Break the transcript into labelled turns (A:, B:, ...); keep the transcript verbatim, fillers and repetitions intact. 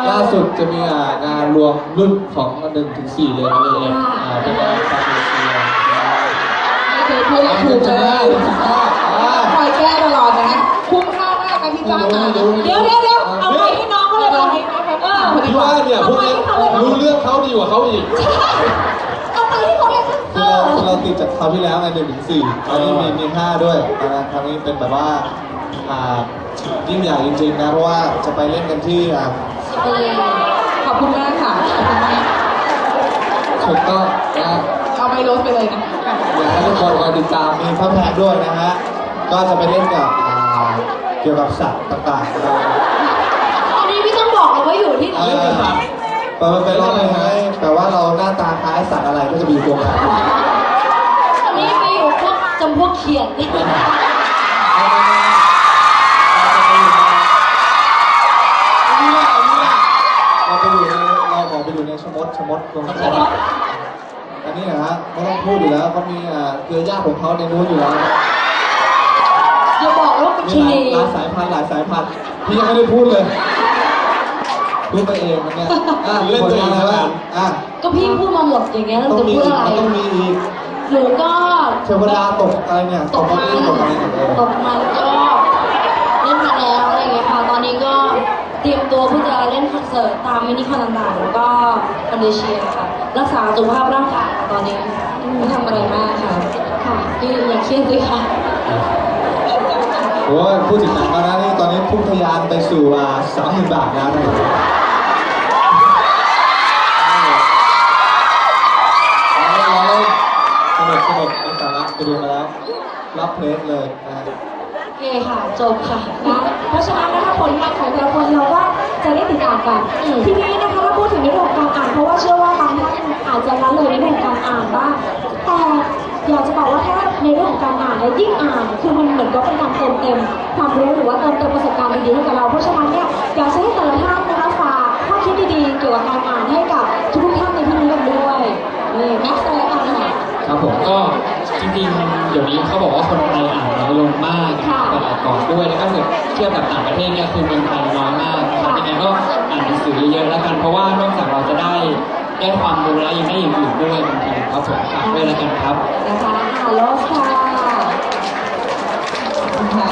A: ล่าสุดจะมีงานรวมรุ่นของหนึ่งถึงสี่เลยนะเลยเป็นงานฟาร์มเซีย
B: ไม่เคยพูดถูกเลยคอยแก้ตลอดนะคุ้มค่ามากนะที่จ้างมาเดี๋ยวเดี๋ยวเดี๋ยวเอาไปให้น้องเขาเลยเอาให้เออ
A: พี่ว่าเนี่ยพวกนี้รู้เรื่องเขาดีกว่าเขาอีก
B: เอาไปให้เขาเลย
A: คือเราเราติดจากคราวที่แล้วไงหนึ่งถึงสี่ตอนนี้มีมีห้าด้วยนะครั้งนี้เป็นแบบว่ายิ่งใหญ่จริงๆนะเพราะว่าจะไปเล่นกันที่
B: ขอบคุณมากค่ะ
A: ถูกต้องนะ
B: เอาไปลดไปเลยนะ
A: อยากให้ทุกคนคอยติดตามมีพระแพทย์ด้วยนะฮะก็จะไปเล่นกับเกี่ยวกับสัตว์ต่างๆ
B: อันนี้พี่ต้องบอกเลยว่าอยู่ที่ไหน
A: ไปไปรอบเลยฮะแต่ว่าเราหน้าตาคล้ายสัตว์อะไรก็จะมีตัวกัน
B: อันนี้ไปอยู่พวกจำพวกเขียด
A: เราไปอยู่ในเราขอไปอยู่ในชมดชมดตรงนี้อันนี้นะฮะไม่ต้องพูดอยู่แล้วเขามีเครือญาติของเขาในนู้นอยู่แล้ว
B: จะบอกว่าเป็นชนี
A: หลายสายพันธุ์หลายสายพันธุ์พี่ยังไม่ได้พูดเลยพูดไปเองมันเนี่ยเล่นตัวเองอะไรบ้างอ่ะ
B: ก็พี่พูดมาหมดอย่างเงี้ยเราจะพูดอะไร
A: ต้องมีอีก
B: หนูก็
A: เทวดาตกอะไรเนี่ย
B: ตกมันตกมันตกมันก็เล่นมาแล้วอะไรเงี้ยค่ะตอนนี้ก็เตรียมตัวเพื่อจะเล่นคอนเสิร์ตตามมินิคอนต่างๆแล้วก็คอนเดเชียค่ะรักษาสุขภาพร่างกายตอนนี้ไม่ทำอะไรมากค่ะค่ะที่อย่าเครียดด้วยค่ะ
A: โอ้พูดถึงหนังแล้วนะนี่ตอนนี้พุ่งทะยานไปสู่สามหมื่นบาทแล้วนะสนุกสนุกในสาระไปดูมาแล้วรับเพลงเลยนะ
B: โอเคค่ะจบค่ะนะเพราะฉะนั้นนะคะผลงานของแต่ละคนเราก็จะได้ติดตามกันทีนี้นะคะถ้าพูดถึงในเรื่องของการอ่านเพราะว่าเชื่อว่าบางท่านอาจจะละเลยในเรื่องของการอ่านบ้างแต่อยากจะบอกว่าถ้าในเรื่องของการอ่านและยิ่งอ่านคือมันเหมือนกับเป็นการเติมเต็มความรู้หรือว่าเติมเต็มประสบการณ์ดีๆให้กับเราเพราะฉะนั้นเนี่ยอยากให้แต่ละท่านนะคะฝากข้อคิดดีๆเกี่ยวกับการอ่านให้กับทุกท่านในที่นี้กันด้วยนี่แม็กซ์เลยอ่านค่ะ
C: ครับผมก็จริงๆเดี๋ยวนี้เขาบอกว่าคนไทยอ่านน้อยลงมากแต่ก่อนด้วยแล้วก็เทียบกับต่างประเทศเนี่ยคือเมืองไทยน้อยมากนะครับยังไงก็อ่านหนังสือเยอะๆแล้วกันเพราะว่านอกจากเราจะได้ได้ความรู้แล้วยังได้อย่างอื่นด้วยบางทีครับผมฝากด้วยแล้วกันครับ
B: นะคะฮัลโหลค่ะ